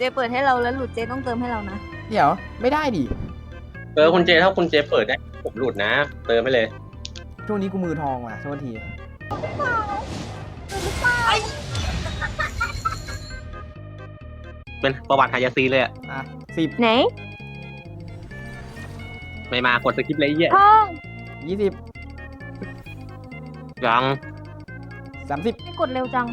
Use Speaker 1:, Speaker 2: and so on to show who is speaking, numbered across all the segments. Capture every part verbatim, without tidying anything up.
Speaker 1: เปิดให้เราแล้วหลุดเจต้องเติมให้เรานะ
Speaker 2: เดี๋ยวไม่ได้ดิ
Speaker 3: เออคุณเจถ้าคุณเจเปิดได้ผมหลุดนะเติมไปเลย
Speaker 2: ช่วงนี้กูมือทองว่ะโทษที
Speaker 3: เป็นประวัติฮายาซีเลยอ่ะ
Speaker 2: อ่ะสิบ
Speaker 1: ไหน
Speaker 3: ไม่มากดสกิปเลยไอ้เหี้ย
Speaker 1: ทอง
Speaker 2: ยี่สิบ
Speaker 3: ยัง
Speaker 2: สามสิบ
Speaker 1: ไม่กดเร็วจัง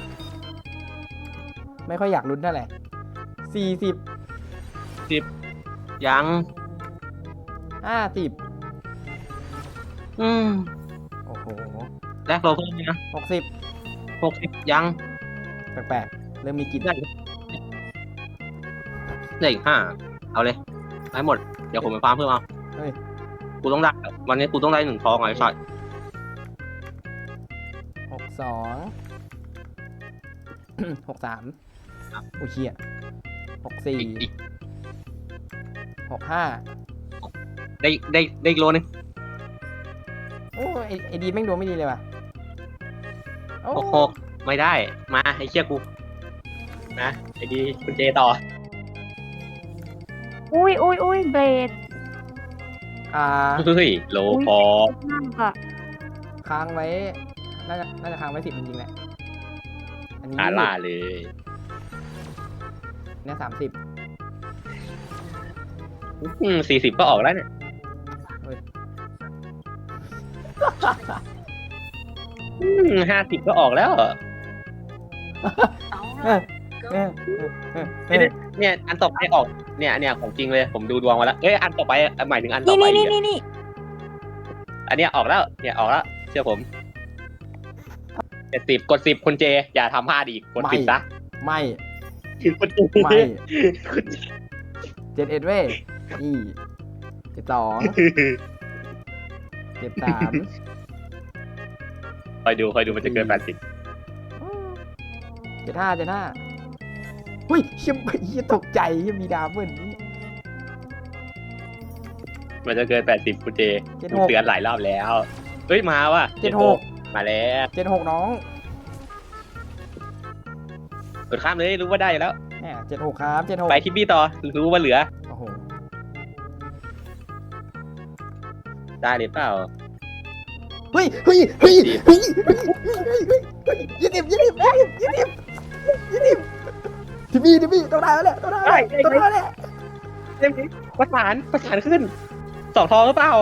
Speaker 2: ไม่ค่อยอยากลุ้นเท่าไหร่สี่สิบ
Speaker 3: สิบยัง
Speaker 2: ห้าสิบ
Speaker 3: อืม
Speaker 2: โอ้โห
Speaker 3: แรกโลเพิ่มนะ
Speaker 2: หกสิบ
Speaker 3: หกสิบยัง
Speaker 2: แปลกๆเริ่มมีกลิ่น
Speaker 3: ได้ได้อีกห้าเอาเลยให้หมดเดี๋ยวผมไปฟาร์มเพิ่มเอา
Speaker 2: เฮ้ย
Speaker 3: กูต้องได้วันนี้กูต้องได้หนึ่งทองไอ้สัตว์
Speaker 2: หกสองหกสามโอ้เชี่ยหกสี่หกห้า
Speaker 3: ได้ได้ได้อีกโลนึง
Speaker 2: โอ้ไอไอดีแม่งดวงไม่ดีเลยว่ะ
Speaker 3: หกหกไม่ได้มาไอ้เชี่ยกูนะไอ้ดีคุณเจต่อ
Speaker 1: อุ้ยอุ้ยอุ้ยเบรด
Speaker 2: อ่า
Speaker 3: เฮ้ยโลพอ
Speaker 2: ค้างไว้น่าจะน่าจะค้างไว้สิบจริงๆแหละอันนี้
Speaker 3: อาล่าเลย
Speaker 2: เนี่ยสามสิบ
Speaker 3: อืมสี่สิบก็ออกแล้วเนี่ยห้าสิบก็ออกแล้วเนี่ยอันต่อไปออกเนี่ยเนี่ยของจริงเลยผมดูดวงมาแล้วเอ้ยอันต่อไปหมายถึงอันต่อไป
Speaker 1: นี่นี่นี่
Speaker 3: อันเนี้ยออกแล้วเนี่ยออกแล้วเชื่อผมเจ็ดสิบกดสิบคุณเจอย่าทำพลาดอีกกดสิบซะ
Speaker 2: ไม่
Speaker 3: ไม่
Speaker 2: เจ็ดเอ็ดเว้ยนี่เจ็ดสองเจ็ดสาม
Speaker 3: คอยดูคอยดูมันจะเกินแปดสิบ
Speaker 2: เจ็ดห้าเจ็ดห้าเฮ้ยเชี่ยเชี่ยตกใจเชี่ยมีดาวเบิ้ลนี่
Speaker 3: มันจะเกินแปดสิบคุณเจเตือนหลายรอบแล้วเฮ้ยมาว่ะ
Speaker 2: เจ็ดหก
Speaker 3: มาแล้ว
Speaker 2: เจ็ดหกน้อง
Speaker 3: กดข้ามเลยรู้ว่าได้แล้ว
Speaker 2: แหมเจ็ดหกครับเจ็ดหก
Speaker 3: ไปทิปปี้ต่อรู้ว่าเหลือ
Speaker 2: โอ้โห
Speaker 3: ได้หรือเปล่า
Speaker 2: เฮ้ยเฮ้ยเฮ้ยเฮ้ยยี่สิบยี่สิบยี่สิบยี่สิบยี่สิบทิปปี้ทิปปี้ต้องได้แล้วแหละต้องได้ต้องได้แล้ว
Speaker 3: เต็มที่ประสานประสานขึ้นสองทองหรือเปล่า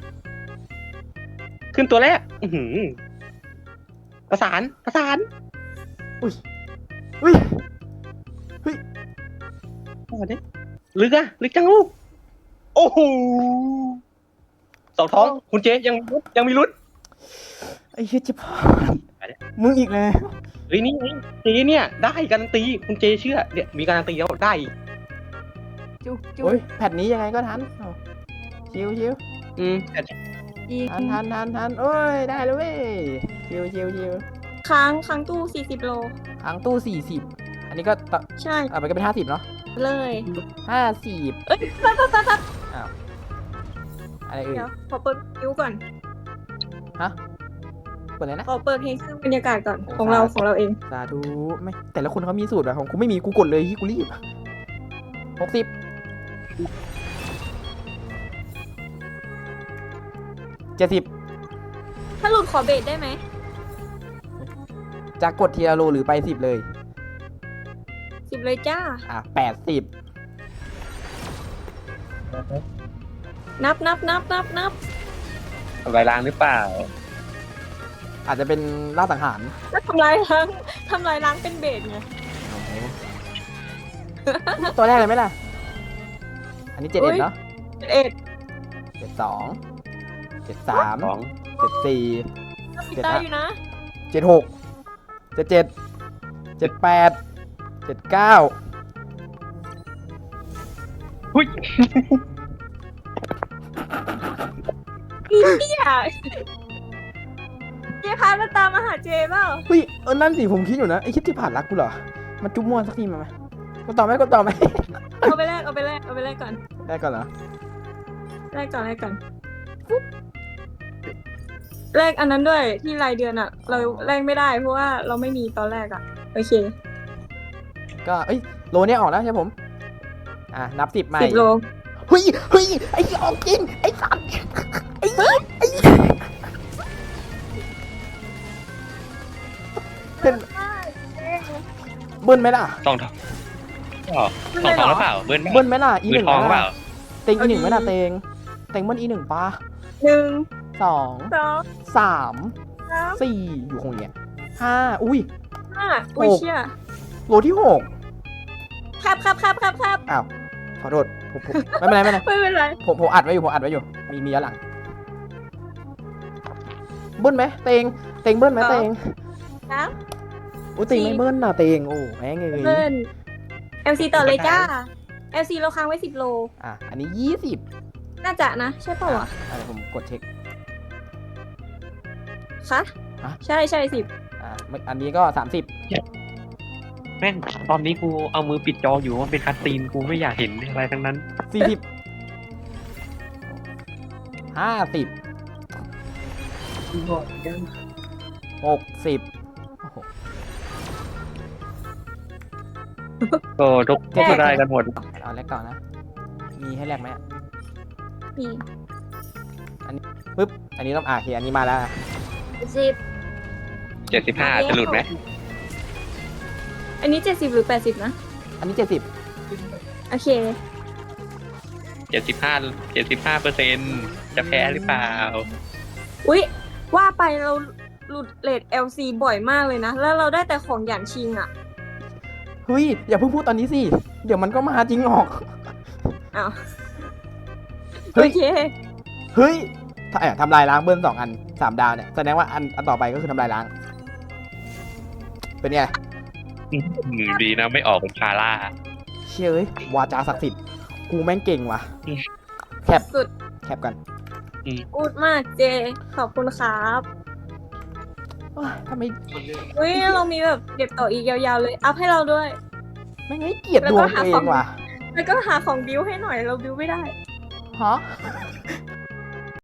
Speaker 3: ขึ้นตัวแรกอือหือประสานประสาน
Speaker 2: อุ้ยอุ้ยเฮ้ย
Speaker 3: โอ้โหเนี่ยลึกอะลึกจังลูกโอ้โหสองท้องคุณเจยังยังมีลุ้น
Speaker 2: ไอ้เหี้ยจะผ่านมึงอีกแล้ว
Speaker 3: เฮ้ยนี่เจเนี่ยได้การันตีคุณเจเชื่อเนี่ยมีการันตีแล้วได้
Speaker 1: จุ๊จุ๊
Speaker 2: แผ่นนี้ยังไงก็ทันชิวชิว
Speaker 3: อืม
Speaker 2: ทันทันทันทันโอ้ยได้แล้วเว้ยชิวชิวชิว
Speaker 1: ค้างค้างตู้สี่สิบโล
Speaker 2: ค้างตู้สี่สิบอันนี้ก็
Speaker 1: ใช่
Speaker 2: อ่ะมันก็เป็นห้าสิบเนาะ
Speaker 1: เลย
Speaker 2: ห้าสิบ
Speaker 1: เอ้ยปั๊บปั๊บปั๊บปั๊บ
Speaker 2: อ้าวอะไรอื่น
Speaker 1: เดี๋ยวขอเปิดคิวก่อน
Speaker 2: ฮะเปิดอะไรนะ
Speaker 1: ขอเปิดเพลงเครื่องบรรยากาศก่อนของเราของเราเอง
Speaker 2: สาธุไม่แต่ละคนเขามีสูตรแบบของกูไม่มีกูกดเลยที่กูรีบหกสิบเจ็ดสิบ
Speaker 1: ถ้าหลุดขอเบรดได้ไหม
Speaker 2: จะกดทีละโลหรือไปสิบเลย
Speaker 1: สิบเลยจ้า
Speaker 2: อ่ะแปดสิบ
Speaker 1: นับนับนับนับนับ
Speaker 3: ทำลายล้างหรือเปล่า
Speaker 2: อาจจะเป็นล่าสังหาร
Speaker 1: แล้วทำลายล้างทำลายล้างเป็นเบสไง
Speaker 2: ตัวแรกเลยไหมล่ะอันนี้เจ็ดเอ็ดเนาะ
Speaker 1: เจ็ดเอ็ด
Speaker 2: เจ็ดสองเจ็ดสามเจ็ดสี่
Speaker 1: เจ็ดห้าอยู่นะ
Speaker 2: เจ็ดหกเจ็ดเจ็ดเจ็ดแปดเจ็ดเก้า
Speaker 3: หุ้ย
Speaker 1: พี่เจี๊ยเจ๊พามาตามมาหาเจ๊เปล่า
Speaker 2: เฮ้ยเออนั่นสิผมคิดอยู่นะไอ้คิดที่ผ่านรักกูเหรอมาจุ๊บมั่วสักทีมาไหมก็ต่อไหมก็ต่อไหม
Speaker 1: เอาไปแรกเอาไปแรกเอาไปแรกก่อน
Speaker 2: แรกก่อนเหรอ
Speaker 1: แรกก่อนแรกก่อนแรกอันนั้นด้วยที่รายเดือนอ่ะเราแรกไม่ได้เพราะว่าเราไม่มีตอนแรกอ่ะโอเค
Speaker 2: ก็เอ้ยโลเนี่ยออกแล้วใช่ผมอ่ะนับสิบใหม่
Speaker 1: สิบโล
Speaker 2: เฮ้ยเฮ้ยไอ้ออกจริงไอ้สัตว์ไอ้ไอ้เป็นเบิ้ลไหมล่ะ
Speaker 3: สองทองอ๋อสองทองหรือเปล่าเบิ้ล
Speaker 2: เบิ้ลไหมล่ะอี
Speaker 3: มื
Speaker 2: ห
Speaker 3: อ
Speaker 2: นึ่ง
Speaker 3: ทองหรือเปล่า
Speaker 2: เต็งอีหนึ่งไหมล่ะเต็งเต็งเบิ้ลอีหนึ่งปะ
Speaker 1: หนึ่ง
Speaker 2: สอง
Speaker 1: สอง
Speaker 2: สาม
Speaker 1: สาม
Speaker 2: สี่อยู่คงเนี้ยห้าอุ้ย
Speaker 1: ห้าอุ้ย
Speaker 2: หก
Speaker 1: เชี่ย
Speaker 2: โลที่หก
Speaker 1: ครับครับครับครับครับ
Speaker 2: อ้าวขอโทษผมผมไม่เป็นไรไม่เป็นไร
Speaker 1: ไม่เป็นไร
Speaker 2: ผมผมอัดไว้อยู่ผมอัดไว้อยู่มีมีย้อนหลังเบิ้ลไหมเตงเตงเบิ้ลไหมเตง
Speaker 1: สาม
Speaker 2: โอ้เตงไม่เบิ้ลน่ะเตงโอ้แม่งเลย
Speaker 1: เพิ่นเอลซีต่อเลยจ้าเอลซีเราค้างไว้สิบโล
Speaker 2: อ่ะอันนี้ยี่สิบ
Speaker 1: น่าจะนะ ใช่ป่าวะ
Speaker 2: อะไรผมกดเช็ค
Speaker 1: คะ
Speaker 2: ฮะ
Speaker 1: ใช่ใช่สิบ
Speaker 2: อ่ะไม่อันนี้ก็สามสิบ
Speaker 3: แม่งตอนนี้กูเอามือปิดจออยู่มันเป็นคัตซีนกูไม่อยากเห็นอะไรทั้งนั้น
Speaker 2: สี่สิบห้าสิบหกสิบโอ้โห
Speaker 3: ก็ทุกทุกคนได้กันหมด
Speaker 2: เอาแรกก่อนนะ มีให้แรกไหมอ่ะ
Speaker 1: นี่
Speaker 2: ปึ๊บอันนี้ต้องอ่ะโอเคอันนี้มาแล้วนะ
Speaker 1: สิบ
Speaker 3: เจ็ดสิบห้าจะหลุดไหม
Speaker 1: อันนี้เจ็ดสิบหรือแปดสิบนะ
Speaker 2: อันนี้เจ็ดสิบ
Speaker 1: โอเค
Speaker 3: เจ็ดสิบห้าเจ็ดสิบห้าเปอร์เซ็นต์จะแพ้หรือเปล่า
Speaker 1: อุ๊ย ว่าไปเราหลุดเลท แอล ซี บ่อยมากเลยนะ แล้วเราได้แต่ของหยานชิงอ่ะ
Speaker 2: เฮ้ยอย่าเพิ่งพูดตอนนี้สิเดี๋ยวมันก็มาจริงหรอก
Speaker 1: อ้าว
Speaker 2: เฮ้
Speaker 1: โอย เค
Speaker 2: เฮ้ยถ้าเอ่อทำลายล้างเบิ้ลสองอันสามดาวเนี่ยแสดงว่าอันอันต่อไปก็คือทำลายล้าง เป็นไง
Speaker 3: อืมดีนะไม่ออกเป็นคาร่า
Speaker 2: เชื่อเอ้ยวาจาศักดิ์สิทธิ์กูแม่งเก่งว่ะ
Speaker 3: อืม
Speaker 2: แคป
Speaker 1: สุด
Speaker 2: แคปกัน
Speaker 1: อูดมากเจ ขอบคุณครับ
Speaker 2: โอ๊ยทำไม
Speaker 1: อุ้ยเรามีแบบเก็บต่ออีกยาวๆเลย อัพให้เราด้วย
Speaker 2: ไม่งไม่เกลียดดวงตัวเองว่ะ
Speaker 1: แล้วก็หาของบิวให้หน่อย เราบิวไม่ได้
Speaker 2: ฮะ